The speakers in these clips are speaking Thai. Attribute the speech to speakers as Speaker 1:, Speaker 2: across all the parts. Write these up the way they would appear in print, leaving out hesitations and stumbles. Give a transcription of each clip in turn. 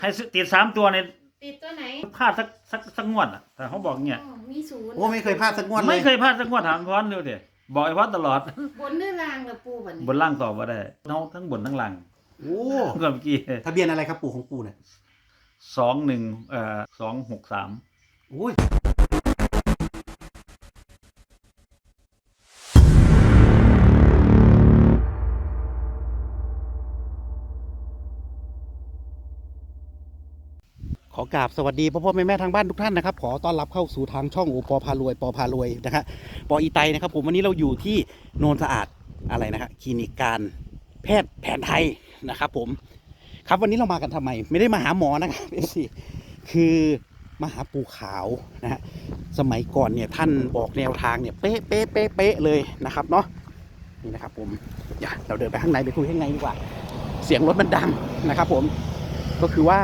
Speaker 1: ให้ติด3 ตัวใน
Speaker 2: ติดตัวไหน
Speaker 1: พลาดสักงวดอ่ะแต่เขาบอกเงี้ย
Speaker 2: มี0
Speaker 3: โอ้ไม่เคยพลาดสักงวดเลย
Speaker 1: ไม่เคยพลาดสักงวดถามพรดูดิบอกไอ้พรตลอด
Speaker 2: บนหรือล่างล่ะปู่บัดนี้
Speaker 1: บนล่างตอบว่าได้ทั้งบนทั้งล่าง
Speaker 3: โอ้
Speaker 1: เมื่อกี้
Speaker 3: ทะเบียนอะไรครับปู่ของปู่เนี่ย
Speaker 1: 263
Speaker 3: โอ้ยขอกราบสวัสดีพ่อแม่ทางบ้านทุกท่านนะครับขอต้อนรับเข้าสู่ทางช่องโอปอพารวยปอพารวยนะฮะปออีไตนะครับผมวันนี้เราอยู่ที่โนนสะอาดอะไรนะฮะคลินิกการแพทย์แผนไทยนะครับผมครับวันนี้เรามากันทำไมไม่ได้มาหาหมอนะครับคือมาหาปู่ขาวนะฮะสมัยก่อนเนี่ยท่านบอกแนวทางเนี่ยเป๊ะเลยนะครับเนาะนี่นะครับผมอย่าเราเดินไปข้างในไปคุยข้างในดีกว่าเสียงรถมันดังนะครับผมก็คือว่า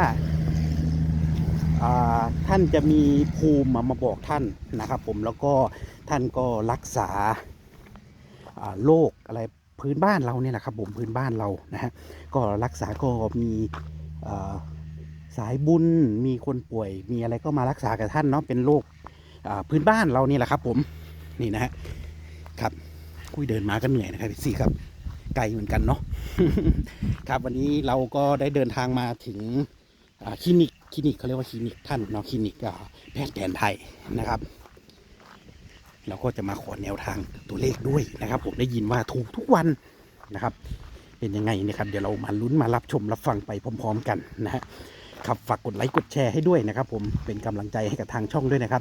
Speaker 3: ท่านจะมีภูมิมาบอกท่านนะครับผมแล้วก็ท่านก็รักษาโรคอะไรพื้นบ้านเราเนี่ยนะครับผมพื้นบ้านเรานะฮะก็รักษาก็มีสายบุญมีคนป่วยมีอะไรก็มารักษากับท่านเนาะเป็นโรคพื้นบ้านเรานี่แหละครับผมนี่นะฮะครับคุยเดินมาก็เหนื่อยนะครับพี่ครับไกลเหมือนกันเนาะ ครับวันนี้เราก็ได้เดินทางมาถึงคลินิกเขาเรียกว่าคลินิกท่านเนาะคลินิกแพทย์แผนไทยนะครับเราก็จะมาขอแนวทางตัวเลขด้วยนะครับผมได้ยินว่าถูกทุกวันนะครับเป็นยังไงนะครับเดี๋ยวเรามาลุ้นมารับชมรับฟังไปพร้อมๆกันนะฮะครับฝากกดไลค์กดแชร์ให้ด้วยนะครับผมเป็นกำลังใจให้กับทางช่องด้วยนะครับ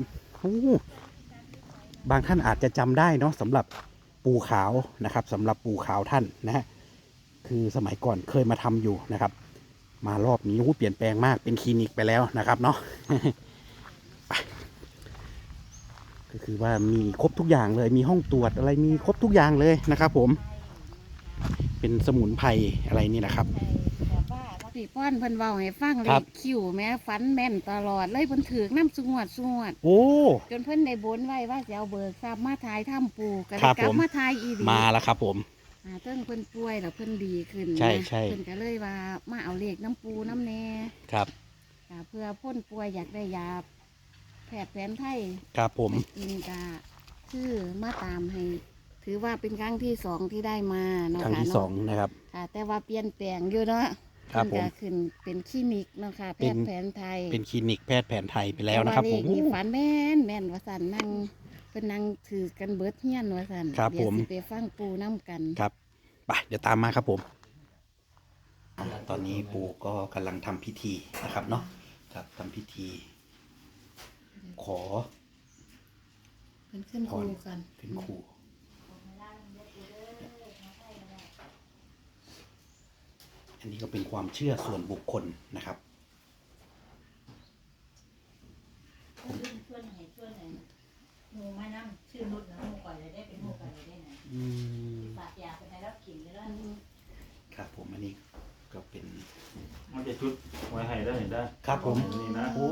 Speaker 3: บางท่านอาจจะจำได้เนาะสำหรับปู่ขาวนะครับสำหรับปู่ขาวท่านนะฮะคือสมัยก่อนเคยมาทำอยู่นะครับมารอบนี้เปลี่ยนแปลงมากเป็นคลินิกไปแล้วนะครับเนาะ ก็คือว่ามีครบทุกอย่างเลยมีห้องตรวจอะไรมีครบทุกอย่างเลยนะครับผมเป็นสมุนไพรอะไรนี่นะครับ
Speaker 2: พี่ป้อนเพิ่นเว้าให้ฟังเลยคิวแม่ฝันแม่นตลอดเลยเพิ่นถือน้ำสงวด
Speaker 3: โอ้
Speaker 2: จนเพิ่นได้บนไว้ว่าจะเอาเบิกทรัพย์มาทายถ้ำปู่ก็ได้กลับมาทายอีดี
Speaker 3: มาแล้วครับผม
Speaker 2: เพิ่นป่วยแล้วเพิ่นดีขึ้น
Speaker 3: ใช่
Speaker 2: เพิ่นก็เลยว่ามาเอาเลขน้ำปูน้ำแน่
Speaker 3: ครับ
Speaker 2: เพื่อพ้นป่วยอยากได้ยาแพทย์แผนไทย
Speaker 3: ครับผม
Speaker 2: กินกะคือมาตามให้ถือว่าเป็นครั้งที่2ที่ได้มาเนาะ
Speaker 3: ครั้งที่2นะครับ
Speaker 2: แต่ว่าเปลี่ยนแปลงอยู่เนาะ
Speaker 3: ครับผม
Speaker 2: ขึ้นเป็นคลินิกเนาะค่ะแพทย์แผนไทย
Speaker 3: เป็นคลินิกแพทย์แผนไทยไปแล้วนะครับผม
Speaker 2: ฝันแม่นว่าสันนั่งเป็นนั่งถือกันเบิดเฮียนว่าสัน
Speaker 3: ครับผม
Speaker 2: ไปฟังปูน้ำกัน
Speaker 3: ครับไปเดี๋ยวตามมาครับผมตอนนี้ปู่ก็กำลังทำพิธีนะครับเนาะครับทำพิธีขอ
Speaker 2: เป็นขึ้นครูกัน
Speaker 3: ขึ้นครูอันนี้ก็เป็นความเชื่อส่วนบุคคลนะครับ
Speaker 4: หมูมานั่งชื่อนุชนะหมูก่อนเลยได้เป็นหมูก่อนเลยได้ไหนฝากยาไปให้รับกินเลยแล้ว
Speaker 3: ครับผมอันนี้ก็เป็น
Speaker 1: มันจะชุดไว้ให้ได้เห็นได้
Speaker 3: ครับผม
Speaker 1: นี่นะ
Speaker 3: โอ้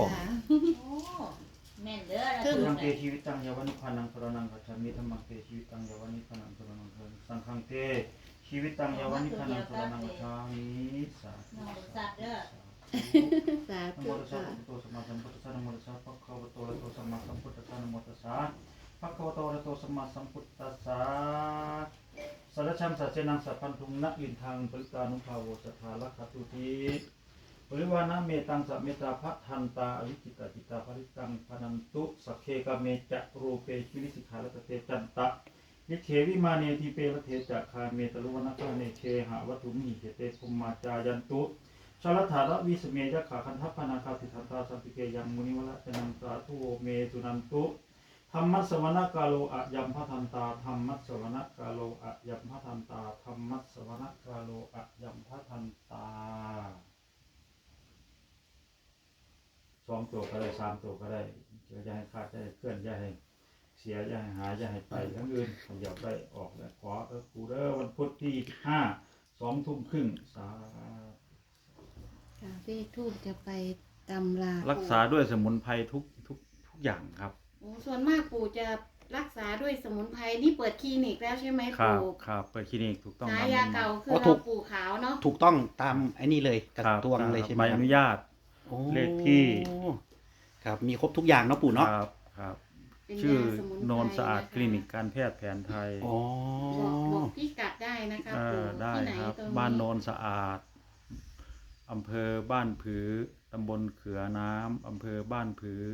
Speaker 4: แม่นเด้อ
Speaker 1: สังเกชีวิตตังยาวันิพานังสรนังกัจฉามิธรรมังเตชีวิตตังยาวันิพานังสรนังสังฆังเตชีวิตตังยาวันิพานังสรนังกัจฉามิสาธุ
Speaker 4: สาธุเด้อ
Speaker 2: สาธุค่ะ
Speaker 1: นะโมตัสสะภะคะวะโตสัมมาสัมพุทธัสสะนะโมตัสสะภะคะวะโตอะระหะโตสัมมาสัมพุทธัสสะนะโมตัสสะภะคะวะโตอะระหะโตสัมมาสัมพุทธัสสะสัจฉังสัจเจนังสัพพันธุนะอินทังปริตานุภาโวสัทธาลักขตุติปริวานะเมตังสัมเมตาภัทันตาอวิจิตาจิตาภริตังพนันตุสักเคกเมจะรูเปชิวิสิกขาลเตจันตะยิเขวิมาเนทิเปรเทจะคาเมตลุวนะคาเนเชหะวัตุมิเหเตภุมมาจายันตุชลถาระวิสเมยะขาคันทัพพนาคาสิทันตาสัมปิเกยังมุนิวละจนังสาธุเมตุนันตุธรรมัสสวนะกาโลอะยัมพทันตาธรรมัสสวนะกาโลอะยัมพทันตาธรรมัสสวนะกาโลอะยัมพทันตา2 ตัวก็ได้3 ตัวก็ได้อย่าให้ขาดอย่าให้เคลื่อนอย่าให้เสียอย่าให้หายอย่าให้ไปทั้งอื่นอย่าไปออกและขอกูเด้อวันพุธที่5 2 ทุ่มครึ่งสา
Speaker 2: เลขทูบจะไปตำรา
Speaker 1: รักษาด้วยสมุนไพรทุกอย่างครับ
Speaker 2: ส่วนมากปู่จะรักษาด้วยสมุนไพรนี่เปิดคลินิกแล้วใช่ไหม
Speaker 1: ครับ
Speaker 2: ปู่
Speaker 1: ครับเปิดคลินิกถูกต้อง
Speaker 2: ฉา
Speaker 1: ตาม
Speaker 2: ยา
Speaker 1: นั้น
Speaker 2: เก่าคือ
Speaker 3: อ๋อถู
Speaker 2: เรา
Speaker 3: ก
Speaker 2: ปู่ขาวเนาะ
Speaker 3: ถูกต้องตามไอ้นี่เลยกระ
Speaker 1: ครับ
Speaker 3: ทรวงเลยใช่ไหม
Speaker 1: ใบ
Speaker 3: ค
Speaker 1: อ
Speaker 3: รับ
Speaker 1: นุญาต
Speaker 3: โอ้
Speaker 1: เลขที่
Speaker 3: ครับมีครบทุกอย่างเนาะปู่เนาะ
Speaker 1: ครับครับ
Speaker 2: เป็น
Speaker 1: ชื่อย
Speaker 2: าสมุนไพร
Speaker 1: โนนสะอาด
Speaker 2: ะะ
Speaker 1: คลินิกการแพทย์แผนไทย
Speaker 3: อ๋อ
Speaker 2: บอกพี่กัดได้นะคะปู่
Speaker 1: ได้
Speaker 2: ที่ไหน
Speaker 1: ครับ
Speaker 2: ตรง
Speaker 1: บ้านโนนสะอาดอำเภอบ้านผือตำบลเขือน้ำอำเภอบ้านผือ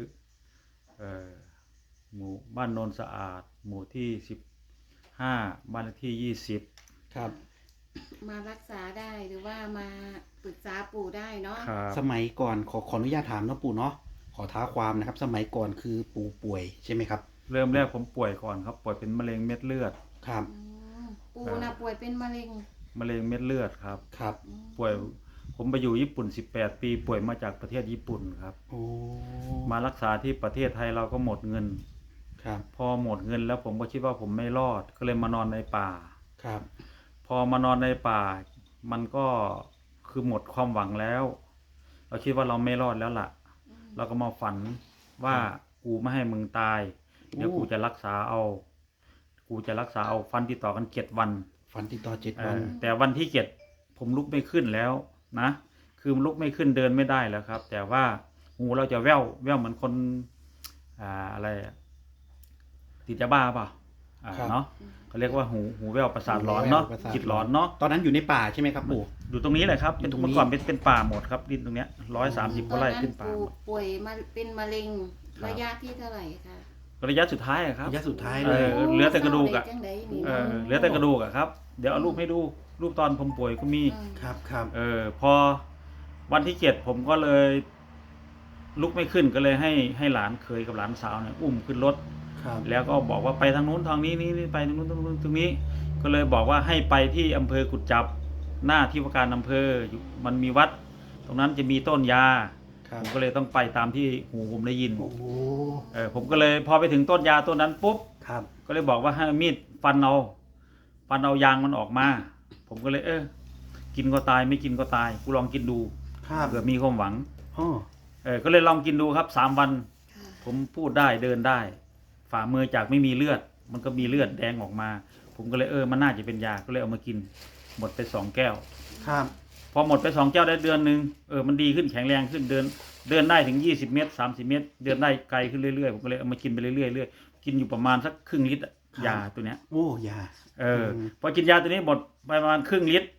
Speaker 1: หมู่บ้านโนนสะอาด หมู่ที่15บ้านเลขที่20
Speaker 3: ครับ
Speaker 2: มารักษาได้หรือว่ามาปรึกษาปู่ได้เนาะ
Speaker 1: ครับ
Speaker 3: สมัยก่อนขออนุญาตถามเนาะปู่เนาะขอท้าความนะครับ สมัยก่อนคือปู่ป่วยใช่ไหมครับ
Speaker 1: เริ่มแรกผมป่วยก่อนครับป่วยเป็นมะเร็งเม็ดเลือด
Speaker 3: ครับ
Speaker 2: อืมปู่น่ะป่วยเป็นมะเร็ง
Speaker 1: มะเร็งเม็ดเลือดครับ
Speaker 3: ครับ
Speaker 2: อืม
Speaker 1: ป่วยผมไปอยู่ญี่ปุ่น18 ปีป่วยมาจากประเทศญี่ปุ่นครับ
Speaker 3: โอ้
Speaker 1: มารักษาที่ประเทศไทยเราก็หมดเงิน
Speaker 3: ครับ
Speaker 1: พอหมดเงินแล้วผมก็คิดว่าผมไม่รอดก็เลยมานอนในป่า
Speaker 3: ครับ
Speaker 1: พอมานอนในป่า มันก็คือหมดความหวังแล้ว เราคิดว่าเราไม่รอดแล้วล่ะ เราก็มาฝันว่ากูไม่ให้มึงตาย เดี๋ยวกูจะรักษาเอา กูจะรักษาเอาฟันติดต่อกัน7 วัน
Speaker 3: ฝันติดต่อ7 วัน
Speaker 1: แต่วันที่7ผมลุกไม่ขึ้นแล้วนะ คือลุกไม่ขึ้นเดินไม่ได้แล้วครับ แต่ว่าหูเราจะแว่วเหมือนคนอะไรอะติดยาบ้าเปล่า
Speaker 3: ครับ
Speaker 1: เนาะเขาเรียกว่าหูแว่วประสาทหลอนเนาะ
Speaker 3: ประสาท
Speaker 1: จิตหลอนเนาะ
Speaker 3: ตอนนั้นอยู่ในป่าใช่ไหมครับปู่
Speaker 1: อยู่ตรงนี้แหละครับเป็น
Speaker 3: อยู่ตรงนี้
Speaker 1: เมื่อก่อนเป็นป่าหมดครับดินตรงเนี้ย130กว่าไร่เป็นป่า
Speaker 2: ตอน
Speaker 1: หม
Speaker 2: นั้น
Speaker 1: ด
Speaker 2: ป่วยมาเป็นมะเร็ง
Speaker 1: ครับ
Speaker 2: ระยะที่เท่าไหร่คะ
Speaker 1: ระยะสุดท้ายอะครับ
Speaker 3: ระยะสุดท้าย
Speaker 1: เอ
Speaker 3: เลย
Speaker 1: อเหลือแต่กระดูกอะ
Speaker 2: เศาไจังใดนี่
Speaker 1: เหลือแต่กระดูกอะครับ เดี๋ยวเอารูปให้ดูรูปตอนผมป่วยก็มี
Speaker 3: ครับครับ
Speaker 1: พอวันที่7ผมก็เลยลุกไม่ขึ้นก็เลยให้หลานเคยกับหลานสาวเนี่ยอุ้มขึ้นรถ
Speaker 3: ครับ
Speaker 1: แล้วก็บอกว่าไปทางนู้นทางนี้นี่ไปทางนู้นทางนู้นตรงนี้ ก็เลยบอกว่าให้ไปที่อำเภอกุดจับหน้าที่ว่าการอำเภออยู่มันมีวัด ตรงนั้นจะมีต้นยา
Speaker 3: ครั
Speaker 1: ผ
Speaker 3: บ
Speaker 1: มก็เลยต้องไปตามที่หูผมได้ยิน
Speaker 3: โอ้โห
Speaker 1: ผมก็เลยพอไปถึงต้นยาต้นนั้นปุ๊บ
Speaker 3: ครับ
Speaker 1: ก็เลยบอกว่าให้มีดฟันเอายางมันออกมา ผมก็เลยกินก็ตายไม่กินก็ตายกูลองกินดู
Speaker 3: ครับ
Speaker 1: เผื่อมีความหวัง
Speaker 3: อ๋อ
Speaker 1: ก็เลยลองกินดูครับ3 วัน
Speaker 2: ค่ะ
Speaker 1: ผมพูดได้เดินได้ ฝ่ามือจากไม่มีเลือด มันก็มีเลือดแดงออกมา ผมก็เลยมันน่าจะเป็นยาก็เลยเอามากิน หมดไป2 แก้ว
Speaker 3: ครับ
Speaker 1: พอหมดไป2 แก้วได้เดือนนึงมันดีขึ้นแข็งแรงขึ้นเดินได้ถึง20 เมตร30 เมตร เดินได้ไกลขึ้นเรื่อยๆผมก็เลยเอามากินไปเรื่อยๆกินอยู่ประมาณสักครึ่งลิตรอะยาตัวเนี้ย
Speaker 3: โอ้ยา
Speaker 1: พอกินยาตัวนี้หมดไปประมาณครึ่งลิตร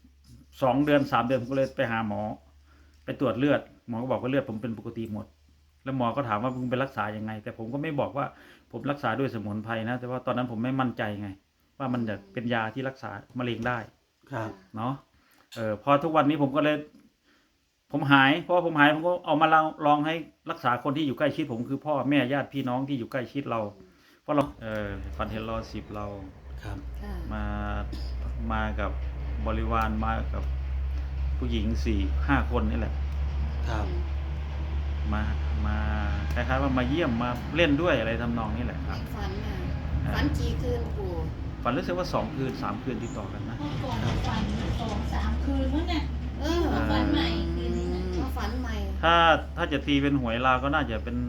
Speaker 1: 2 เดือน3 เดือนผมก็เลยไปหาหมอ ไปตรวจเลือดหมอก็บอกว่าเลือดผมเป็นปกติหมด แล้วหมอก็ถามว่ามึงไปรักษายังไง แต่ผมก็ไม่บอกว่าผมรักษาด้วยสมุนไพรนะแต่ว่าตอนนั้นผมไม่มั่นใจไง ว่ามันจะเป็นยาที่รักษามะเร็งได้
Speaker 3: ครับ
Speaker 1: เนาะพอทุกวันนี้ผมก็เลยผมหายเพราะผมหายผมก็เอามาลองให้รักษาคนที่อยู่ใกล้ชิดผมคือพ่อแม่ญาติพี่น้องที่อยู่ใกล้ชิดเราเพราะเราฟันเฮลลอ10เรา
Speaker 3: ครับ
Speaker 2: ค่ะ
Speaker 1: มากับบริวารมากับผู้หญิง4-5 คนนี่แหละ
Speaker 3: ครับ
Speaker 1: มาคล้ายๆว่ามาเยี่ยมมาเล่นด้วยอะไรทำนองนี้แหละครับ
Speaker 2: ฝันน่ะฝันกี่คืนปู่
Speaker 1: ฝันรู้สึกว่า2 คืน 3 คืนติดต่อกันนะ
Speaker 4: เมื่อก่อนฝัน2-3 คืนมั้งเนี่ย ฝันใหม่คืนนึงอะ
Speaker 2: มาฝันใหม่
Speaker 1: ถ้าจะตีเป็นหวยลาวก็น่าจะเป็น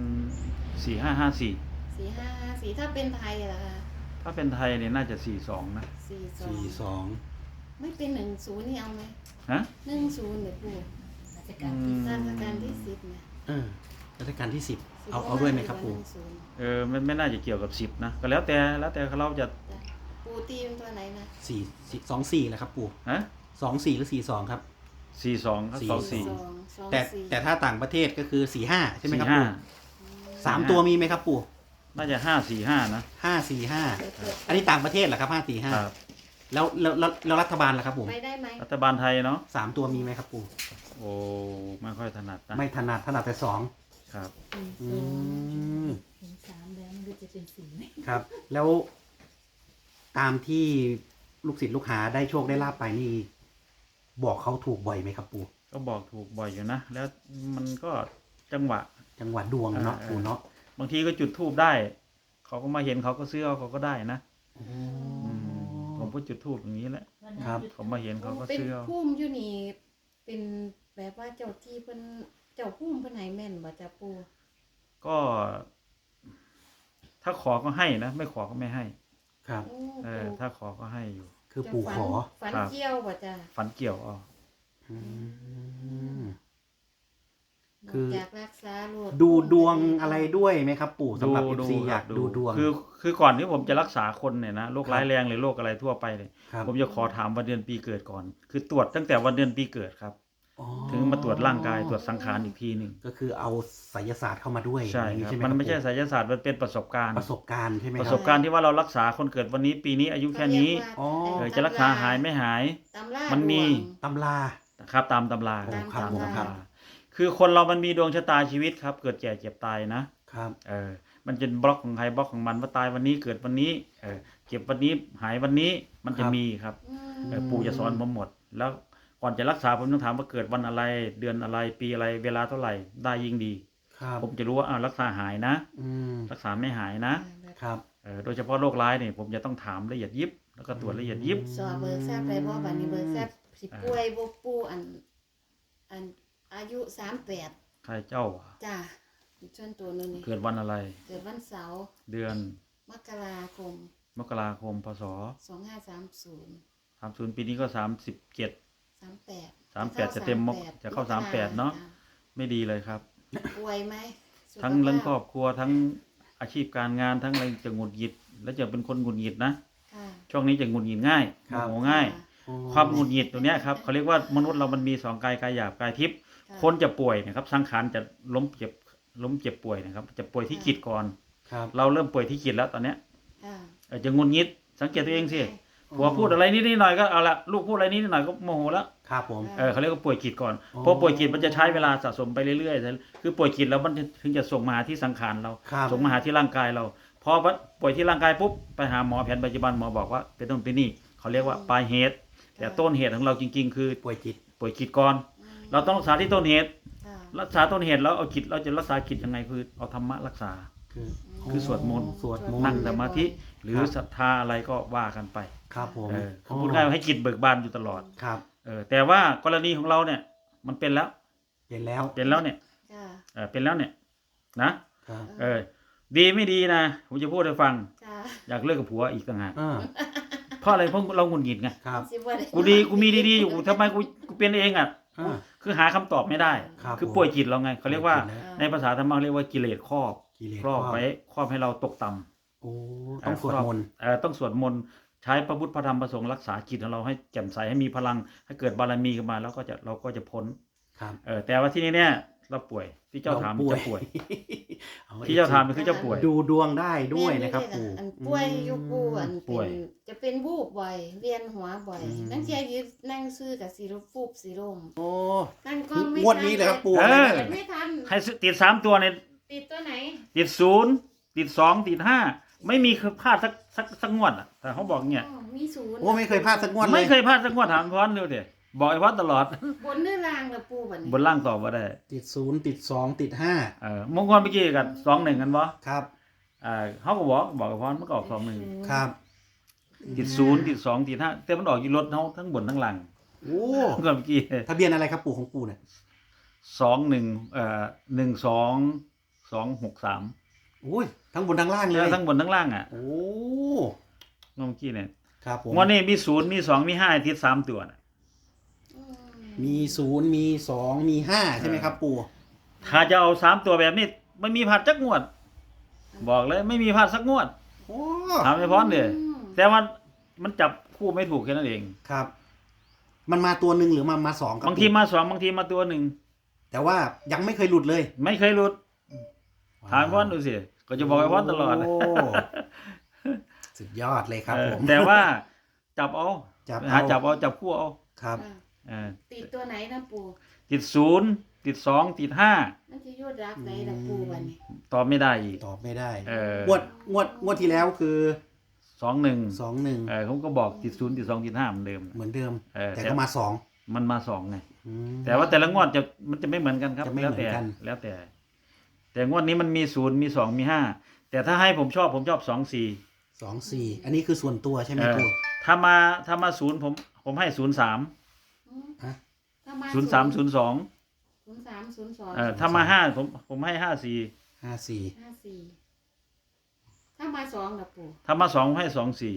Speaker 1: 4554
Speaker 2: 4554ถ้าเป็นไทยล่ะคะ
Speaker 1: ถ้าเป็นไทยเนี่ยน่าจะ42นะ
Speaker 2: 42ไม่เป็น10นี่เอาไหม
Speaker 1: ฮะ
Speaker 2: 10เนี่ยปู่
Speaker 4: ราชการที่
Speaker 2: ราชการที่10เนี่ย
Speaker 3: รัชกาลที่10เอาด้วยไหมครับปู่
Speaker 1: ไม่น่าจะเกี่ยวกับ10นะก็แล้วแต่เราจะ
Speaker 2: ปู่ตีเป็นตัวไหนนะ
Speaker 3: 24แหละครับปู่
Speaker 1: ฮะ
Speaker 3: 24หรือ42ครับ
Speaker 1: 42ครับ
Speaker 2: 2
Speaker 3: แต่ถ้าต่างประเทศก็คือ45ใช่ไหมครับปู่
Speaker 1: 45
Speaker 3: 3 ตัวมีไหมครับปู่
Speaker 1: น่าจะ545นะ
Speaker 3: 545อันนี้ต่างประเทศเหรอครับ
Speaker 1: ครับ
Speaker 3: 545แล้วรัฐบาลล่ะครับผม
Speaker 2: ไปได้ไหม
Speaker 1: รัฐบาลไทยเนาะ
Speaker 3: 3 ตัวมีไหมครับปู่
Speaker 1: โอ้ไม่ค่อยถนัดนะ
Speaker 3: ไม่ถนัดแต่2
Speaker 1: ครับ
Speaker 3: อืม
Speaker 4: เห็น3แล้วมันก็จะเป็น4ไหม
Speaker 3: ครับ แล้วตามที่ลูกศิษย์ลูกหาได้โชคได้ลาบไปนี่ บอกเขาถูกบ่อยไหมครับปู่
Speaker 1: ก็บอกถูกบ่อยอยู่นะแล้วมันก็จังหวะ
Speaker 3: จังหวัดดวงเนาะปู่เนาะ
Speaker 1: บางทีก็จุดธูปได้ เขาก็มาเห็นเขาก็ซื้อเอาเขาก็ได้นะผมก็จุดธูปอย่างนี้แหละ
Speaker 3: ครับ
Speaker 1: เขามาเห็นเขาก็
Speaker 2: เป็น
Speaker 1: ซื้อเอา
Speaker 2: พุ่มอยู่นี่เป็นแบบว่าเจ้าที่เพิ่นเจ้าพุ่มเพิ่นให้แม่นบ่จ้ะปู่
Speaker 1: ก็ถ้าขอก็ให้นะไม่ขอก็ไม่ให้
Speaker 3: ครับ
Speaker 2: โอ้
Speaker 1: ถ้าขอก็ให้อยู่
Speaker 3: คือปู่ขอ
Speaker 2: ฝัน
Speaker 1: ครับ
Speaker 2: เกี่ยวบ่จ้ะ
Speaker 1: ฝันเกี่ยวอ๋อ
Speaker 3: อืม
Speaker 2: น
Speaker 3: คือ
Speaker 2: อกจากรักษาโรค
Speaker 3: ดูดวงอะไรด้วยไหมครับ ปู่สำหรับ FC อยากดูดวง
Speaker 1: คือก่อนที่ผมจะรักษาคนเนี่ยนะโรคร้ายแรงหรือโรคอะไรทั่วไปเลย
Speaker 3: ครับ
Speaker 1: ผมจะขอถามวันเดือนปีเกิดก่อน คือตรวจตั้งแต่วันเดือนปีเกิดครับ
Speaker 3: อ๋อ
Speaker 1: ถึงมาตรวจร่างกายตรวจสังขารอีกทีหนึ่ง
Speaker 3: ก็คือเอาไสยศาสตร์เข้ามาด้วย
Speaker 1: ใช่
Speaker 3: อย่างนี้
Speaker 1: ครับ
Speaker 3: ใช่ไหม
Speaker 1: มันไม่ใช่
Speaker 3: ครับ
Speaker 1: ไสยศาสตร์มันเป็นประสบการณ์
Speaker 3: ประสบการณ์ใช่ไหม
Speaker 1: ป
Speaker 3: ค
Speaker 1: ระ
Speaker 3: รับ
Speaker 1: สบการณ์ที่ว่าเรารักษาคนเกิดวันนี้ปีนี้อายุแค่นี้
Speaker 3: อ๋อ
Speaker 1: จะรักษาหายไม่หาย
Speaker 2: ตำรา
Speaker 1: มันมี
Speaker 2: ดวง
Speaker 3: ตำรา
Speaker 1: นะครับตามตำรา
Speaker 3: โอ้
Speaker 2: ครับผมครับ
Speaker 1: คือคนเรามันมีดวงชะตาชีวิตครับ เกิดแก่เจ็บตายนะครับ มันเป็นบล็อกของใครบล็อกของมันว่าตายวันนี้เกิดวันนี้เจ็บวันนี้หายวันนี้มันจะมีครับ
Speaker 2: อืม
Speaker 1: ปู่จะสอนผมหมด แล้วก่อนจะรักษาผมต้องถามว่าเกิดวันอะไรเดือนอะไรปีอะไรเวลาเท่าไหร่ได้ยิ่งดี
Speaker 3: ครับ
Speaker 1: ผมจะรู้ว่ารักษาหายนะ
Speaker 3: อืม
Speaker 1: รักษาไม่หายนะ
Speaker 3: ครับ
Speaker 1: โดยเฉพาะโรคร้ายเนี่ยผมจะต้องถามละเอียดยิบแล้วก็ตรวจละเอียดยิบ
Speaker 2: สอบเบิกทราบไปบ่บัดนี้เบิกทราบสิป่วยบ่ปู่อันอายุ38
Speaker 1: ใครเจ้าอะ
Speaker 2: จ้ะส่วนตัวนึงนี่
Speaker 1: เกิดวันอะไร
Speaker 2: เกิดวันเสาร์
Speaker 1: เดือน
Speaker 2: มกราคม
Speaker 1: มกราคมพศ
Speaker 2: 2530
Speaker 1: 30ปีนี้ก็37
Speaker 2: 38
Speaker 1: จะเต็มจะเข้า38เนาะ ไม่ดีเลยครับ
Speaker 2: ป่วยไหมสุขภาพ
Speaker 1: ทั้งเรื่องครอบครัวทั้งอาชีพการงานทั้งอะไรจะหงุดหงิด และจะเป็นคนหงุดหงิดนะ
Speaker 2: ค่ะ
Speaker 1: ช่วงนี้จะหงุดหงิดง่าย
Speaker 3: ครับ
Speaker 1: โมโหง่าย
Speaker 3: อ๋อ
Speaker 1: ความหงุดหงิดตัวเนี้ยครับเขาเรียกว่ามนุษย์เรามันมีสองกายกายหยาบกายทิพย์
Speaker 2: ะ
Speaker 1: คนจะป่วยนะครับสังขารจะล้มเจ็บป่วยนะครับจะป่วยที่จิตก่อน
Speaker 3: ครับ
Speaker 1: เราเริ่มป่วยที่จิตแล้วตอนเนี้ย
Speaker 2: ค่ะ
Speaker 1: จะหงุดหงิดสังเกตตัวเองสิผัวพูดอะไรนิดหน่อยก็เอาละลูกพูดอะไรนิดหน่อยก็โมโหแล้ว
Speaker 3: ครับผม
Speaker 1: เขาเรียกว่าป่วยจิตก่อน
Speaker 3: อ๋อ
Speaker 1: เพราะป่วยจิตมันจะใช้เวลาสะสมไปเรื่อยๆคือป่วยจิตแล้วมันถึงจะส่งมาหาที่สังขารเรา
Speaker 3: ครับ
Speaker 1: ส่งมาหาที่ร่างกายเราพอป่วยที่ร่างกายปุ๊บไปหาหมอแผนปัจจุบันหมอบอกว่าเป็นต้นเป็นนี่เขาเรียกว่าปลายเหตุ แต่ต้นเหตุของเราจริงๆ คือ
Speaker 3: ป่วยจิต
Speaker 1: ป่วยจิตก่อน เราต้องรักษาที่ต้นเหตุ
Speaker 2: ค่ะ
Speaker 1: รักษาต้นเหตุแล้วเอาจิตเราจะรักษาจิตยังไงคือเอาธรรมะรักษา คือสวดมนต์
Speaker 3: สวดมนต์
Speaker 1: นั่งสมาธิหรือ
Speaker 3: ครับ
Speaker 1: ศรัทธาอะไรก็ว่ากันไป
Speaker 3: ครับผม
Speaker 1: เขาพูดง่ายว่าให้จิตเบิกบานอยู่ตลอด
Speaker 3: ครับ
Speaker 1: แต่ว่ากรณีของเราเนี่ยมันเป็นแล้ว
Speaker 3: เป็นแล้ว
Speaker 1: เป็นแล้วเนี่ย
Speaker 2: จ้ะ
Speaker 1: เป็นแล้วเนี่ยนะครับ ดีไม่ดีนะผมจะพูดให้ฟัง
Speaker 2: จ้ะ
Speaker 1: อยากเลิกกับผัวอีกต่างหาก
Speaker 3: อ่า
Speaker 1: เพราะอะไรเพราะเราหงุดหงิดไง
Speaker 3: ครับ
Speaker 2: สิบ่ได้
Speaker 1: กูมีดีๆอยู่ทำไมกูเป็นเองอ่ะ
Speaker 3: อ่า
Speaker 1: คือหาคำตอบไม่ได้
Speaker 3: ครับ
Speaker 1: คือป่วยจิตเราไงเขาเรียกว่า
Speaker 3: ป่วยจิตแล้ว
Speaker 1: ในภาษาธรรมะเรียกว่ากิเลสครอบ
Speaker 3: กิเลส
Speaker 1: ครอบไว้ครอบให้เราตกต่ำ
Speaker 3: โอ้ต้องสวดมนต์
Speaker 1: ต้องสวดมนต์ใช้พระพุทธพระธรรมพระสงฆ์รักษาจิตของเราให้แจ่มใสให้มีพลังให้เกิดบารมีขึ้นมาแล้วก็เราก็จะพ้น
Speaker 3: ครับ
Speaker 1: แต่ว่าที่นี่เนี่ยเราป่วยที่เจ้าถาม
Speaker 3: ร
Speaker 1: จะป่วย
Speaker 3: เอา
Speaker 1: ที่เจ้าถามคือเจ้าป่วย
Speaker 3: ดูดวงได้ด้วยนะครับ
Speaker 2: แม่
Speaker 3: ปู่
Speaker 2: อันป่วยอยู่ปู่อัน
Speaker 1: ป่วย
Speaker 2: จะเป็นวูบบ่อยเวียนหัวบ่อย
Speaker 3: อืม
Speaker 2: นั่งเทียยืนนั่งซื้อกับสีฟูบสีลม
Speaker 3: โอ้
Speaker 2: นั่งก็ไม่
Speaker 3: งวดนี้เลยครับปู่
Speaker 1: เออ
Speaker 2: ไม่ทัน
Speaker 1: ให้ติด3ตัวเนี่ย
Speaker 2: ติดตัวไหน
Speaker 1: ติด0ติด2ติด5ไม่มีพลาดสักงวดอ่ะแต่เขาบอกเนี่ย
Speaker 2: อ๋อมีศูนย์
Speaker 3: โอ้ไม่เคยพลาดสักงวดเลย
Speaker 1: ไม่เคยพลาดสักงวดถามพรเร็วเดี๋ยวบอกไอ้พรตลอด
Speaker 2: บนเนื้อรางละปู่บัดนี้
Speaker 1: บนล่างตอบว่าได้
Speaker 3: ติด0ติด2ติด5
Speaker 1: มงคลเมื่อกี้กัน2-1กันบ่
Speaker 3: ครับ
Speaker 1: เขาก็บอกไอ้พรมันก็ออก2-1
Speaker 3: ครับ
Speaker 1: ติด0ติด2ติด5แต่มันออกอยู่รถเขาทั้งบนทั้งล่าง
Speaker 3: โอ้
Speaker 1: เมื่อกี้
Speaker 3: ทะเบียนอะไรครับปู่ของปู่เนี่ย
Speaker 1: 12 263
Speaker 3: โอ้ยทั้งบนทั้งล่างเล
Speaker 1: แล้ว
Speaker 3: ย
Speaker 1: ทั้งบนทั้งล่างอ่ะ
Speaker 3: โอ้
Speaker 1: เมื่อกี้เนี่ย
Speaker 3: ครับผม
Speaker 1: งวดนี้มี0มี2มี5ติด3ตัวน่ะ
Speaker 2: อืม
Speaker 3: มี0มี2มี5ใช่ไหมครับปู่
Speaker 1: ถ้าจะเอา3ตัวแบบนี้ไม่มีพลาดจักงวด บอกเลยไม่มีพลาดสักงวด
Speaker 3: โอ้
Speaker 1: ถามไอ้พรเด้แต่ว่ามันจับคู่ไม่ถูกแค่นั้นเอง
Speaker 3: ครับ มันมาตัวหนึ่งหรือมา2ครับ
Speaker 1: บางทีมา2บางทีมาตัวหนึ่ง
Speaker 3: แต่ว่ายังไม่เคยหลุดเลย
Speaker 1: ไม่เคยหลุดถามไอ้พรดูสิก็จะบอกไอ้พรตลอด
Speaker 3: โสุดยอดเลยครับผม
Speaker 1: แต่ว่าจับเอา
Speaker 3: จับ
Speaker 1: หา
Speaker 3: เอา
Speaker 1: จับเอาจับคู่เอา
Speaker 3: ครับ
Speaker 2: อ่ะ
Speaker 1: เออ
Speaker 2: ติดตัวไหนนะปู่
Speaker 1: ติด0ติด2ติด5
Speaker 2: มันจะยุดรักไหนละปู่บัดนี้
Speaker 1: ตอบไม่ได้อีก
Speaker 3: ตอบไม่ได้
Speaker 1: ง
Speaker 3: งวดที่แล้วคือ
Speaker 1: 2-1
Speaker 3: 2-1
Speaker 1: เขาก็บอกติด0ติด2ติด5เหมือนเดิม
Speaker 3: เหมือนเดิม แต่
Speaker 1: แต่
Speaker 3: ก็มา2
Speaker 1: มันมา2ไงแต่ว่าแต่ละงวดมันจะไม่เหมือนกันครับ
Speaker 3: จะไม่
Speaker 1: แล้ว
Speaker 3: เหมื
Speaker 1: แต่
Speaker 3: อนกัน
Speaker 1: แล้วแต่ แต่งวดนี้มันมี0มี2มี5แต่ถ้าให้ผมชอบ2-4
Speaker 3: 2-4 อันนี้คือส่วนตัวใช่ไหมปู่
Speaker 1: ถ้ามา0ผมให้03
Speaker 2: อืม
Speaker 3: ฮะ
Speaker 2: ถ้ามา
Speaker 1: 03 02
Speaker 2: 03 02
Speaker 1: ถ้ามา5ผมให้54
Speaker 3: 54
Speaker 2: 54 ถ้ามาสองล่ะปู่
Speaker 1: ถ้ามา2ให้24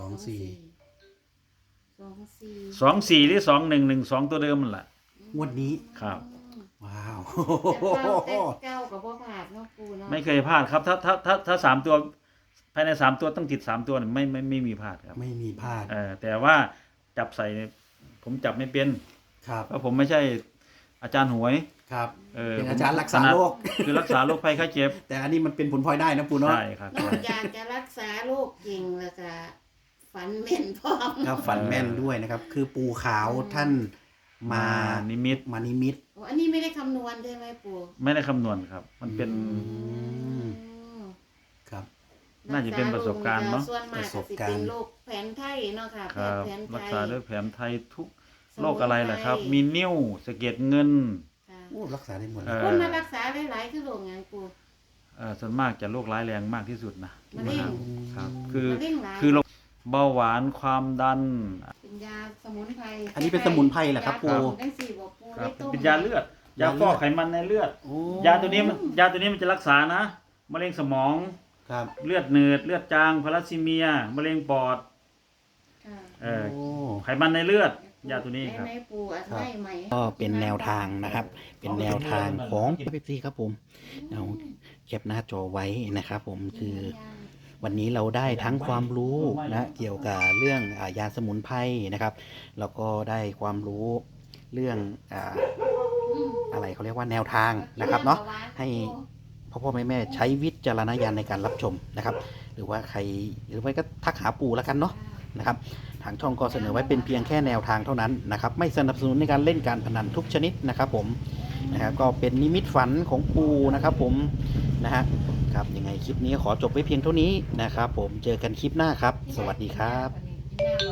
Speaker 3: 24
Speaker 1: 24หรือ2112ตัวเดิมนั่นแหละ
Speaker 3: งวดนี้
Speaker 1: ครับ
Speaker 3: ว้าว
Speaker 2: แต่เก้ากับบ่ผ่านเนาะปู่เนาะ
Speaker 1: ไม่เคยพลาดครับถ้า3ตัวภายใน3ตัวต้องติด3ตัวเนี่ยไม่มีพลาดครับ
Speaker 3: ไม่มีพลาด
Speaker 1: แต่ว่าจับใส่เนี่ยผมจับไม่เป็น
Speaker 3: ครับ
Speaker 1: เพราะผมไม่ใช่อาจารย์หวย
Speaker 3: ครับ เป็น
Speaker 1: ผม
Speaker 3: อาจารย์รักษาโรค
Speaker 1: คือรักษาโรคภัยไข้เจ็บ
Speaker 3: แต่อันนี้มันเป็นผลพลอยได้นะปู่เนาะ
Speaker 1: ใช่ครับ
Speaker 2: นอกจากจะรักษาโรคจริงแล้วก็ฝันแม่นพร้อม
Speaker 3: ครับฝันแม่นด้วยนะครับ คือปู่ขาวท่านมา
Speaker 1: นิมิต
Speaker 3: มานิมิต
Speaker 2: โอ้อันนี้ไม่ได้คำนวณใช่ไหมปู่
Speaker 1: ไม่ได้คำนวณครับ มันเป็น
Speaker 3: ม ครับ
Speaker 1: น่าจะเป็นประสบการณ์เนาะ
Speaker 2: ส่วนมากก็สิเป็นโรคแผนไทยเนาะค่ะ
Speaker 1: ค
Speaker 2: แพ
Speaker 1: รั
Speaker 2: ท
Speaker 1: บ
Speaker 2: ย์แผนไท
Speaker 1: รัก
Speaker 2: ย
Speaker 1: ษาด้วยแผนไทยทุก
Speaker 2: สมุนไพร
Speaker 1: โรคอะไรล่ะครับ มีนิ้วสะเก็ดเงิน
Speaker 2: ค่ะ
Speaker 3: โอ้รักษาได้หมดเล
Speaker 1: เอ่
Speaker 3: ย
Speaker 1: อ
Speaker 2: คนมารักษาหลายๆคือโรคหยังปู่
Speaker 1: ส่วนมากจะโรคร้ายแรงมากที่สุดนะ
Speaker 2: มะเร็ง
Speaker 1: ครับ คือ
Speaker 2: มะเร็งหลาย
Speaker 1: คือโรคเบาหวานความดัน
Speaker 2: เป็นยาสมุนไพร
Speaker 3: อันนี้เป็นสมุนไพรเหรอครับปู่
Speaker 2: ยาจังสี่บ่ปู่
Speaker 1: ครับ
Speaker 2: ได้ต้ม
Speaker 1: เป็นยาเลือด ยาฟอกไขมันในเลือด
Speaker 3: โอ้
Speaker 1: ยาตัวนี้มันจะรักษานะมะเร็งสมอง
Speaker 3: ครับ
Speaker 1: เลือดเนืดเลือดจางพาราซิเมียมะเร็งปอด
Speaker 2: ค่ะ
Speaker 3: โอ้
Speaker 1: ไขมันในเลือด ยาตัวนี้ครับ
Speaker 2: ในปู่อัดไว้ใหม่
Speaker 3: ก็เป็นแนวทางนะครับ เป็นแนวทางของเป๊ปซี่ครับผมเอาแคปหน้าจอไว้นะครับผมคือวันนี้เราได้ทั้งความรู้นะเกี่ยวกับเรื่องยาสมุนไพรนะครับแล้วก็ได้ความรู้เรื่องอะไรเขาเรียกว่าแนวทางนะครับเนาะให้พ่อแม่ใช้วิจารณญาณในการรับชมนะครับ หรือว่าใครหรือไม่ก็ทักหาปู่แล้วกันเนาะนะครับ ทางช่องก็เสนอไว้เป็นเพียงแค่แนวทางเท่านั้นนะครับ ไม่สนับสนุนในการเล่นการพนันทุกชนิดนะครับผมนะครับก็เป็นนิมิตฝันของปู่นะครับผมนะฮะครับยังไงคลิปนี้ขอจบไว้เพียงเท่านี้นะครับผมเจอกันคลิปหน้าครับ สวัสดีครับ
Speaker 2: กินหน้า